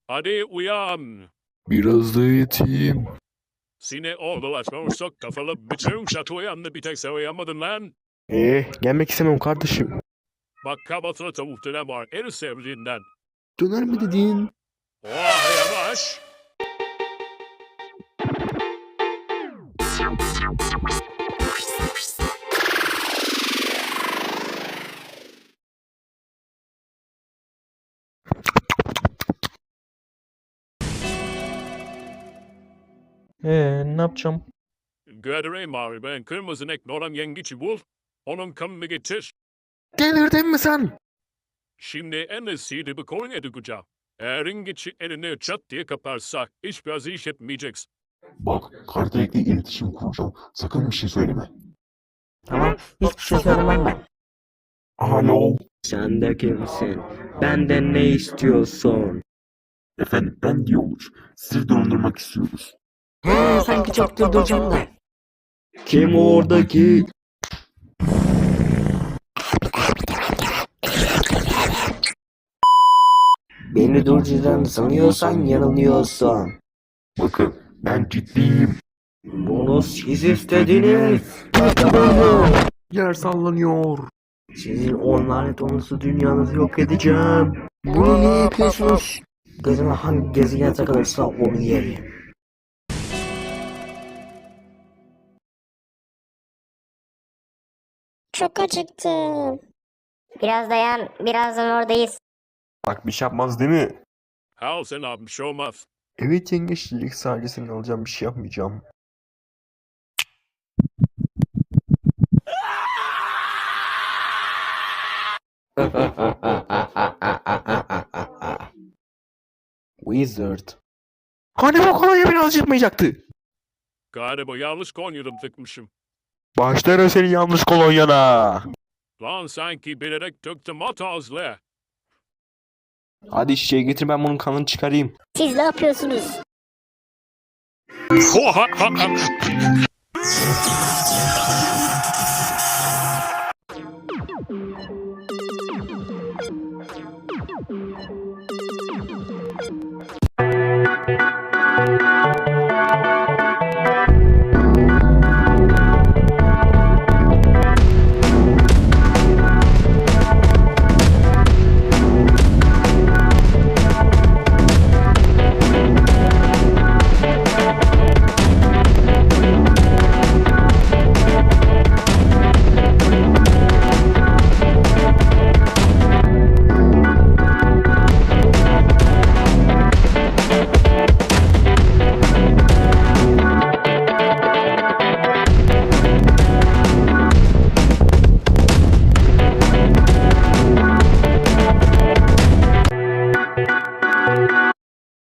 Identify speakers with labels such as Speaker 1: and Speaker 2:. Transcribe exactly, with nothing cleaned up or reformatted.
Speaker 1: Hadi uyan.
Speaker 2: Biraz da yatayım.
Speaker 1: Seni oğlulaşmamışsak kafalı bütün şatoyu anlı bir tek sen uyanmadın lan.
Speaker 2: Ee, gelmek istemem kardeşim.
Speaker 1: Bak kabatına tavuk dönem var en sevdiğinden.
Speaker 2: Döner mi dedin?
Speaker 1: Oh yavaş.
Speaker 2: Ee, ne yapacağım?
Speaker 1: Göreyim abi ben kırmızı nekli olan yengici bul. Onun kanını getir.
Speaker 2: Delirdin mi sen?
Speaker 1: Şimdi en iyisi bir koyun edeceğim. Eğer yengici elini çat diye kaparsa hiçbir az iş etmeyeceksin.
Speaker 3: Bak, Kardeş'le iletişim kuracağım. Sakın bir şey söyleme.
Speaker 4: Tamam, hiçbir şey söylemem ben.
Speaker 3: Alo.
Speaker 4: Sen de kimsin? Benden ne istiyorsun?
Speaker 3: Efendim, ben Diyoluç. Sizi dondurmak istiyoruz.
Speaker 4: He, sanki çok durduracağım da. Kim oradaki? Beni durduracağını sanıyorsan yanılıyorsun.
Speaker 3: Bakın, ben ciddiyim.
Speaker 4: Bunu siz istediniz.
Speaker 2: Yer sallanıyor.
Speaker 4: Sizin on lanet olası dünyanızı yok edeceğim. Bunu niye yapıyorsunuz? Gözüme hangi gezegen takılırsa onu yerim.
Speaker 5: Çok acıktım. Biraz dayan, birazdan oradayız.
Speaker 2: Bak bir şey yapmaz değil mi?
Speaker 1: Al sen abi bir şey olmaz.
Speaker 2: Evet yengeçlik sadece seni alacağım bir şey yapmayacağım. Wizard. Hani bu kolonya beni acıtmayacaktı.
Speaker 1: Galiba yanlış Konya'da tıkmışım.
Speaker 2: Başlarım seni yanlış kolonyana.
Speaker 1: Lan sanki bilerek döktüm atazlı.
Speaker 2: Hadi şişeyi getir ben bunun kanını çıkarayım.
Speaker 5: Siz ne yapıyorsunuz?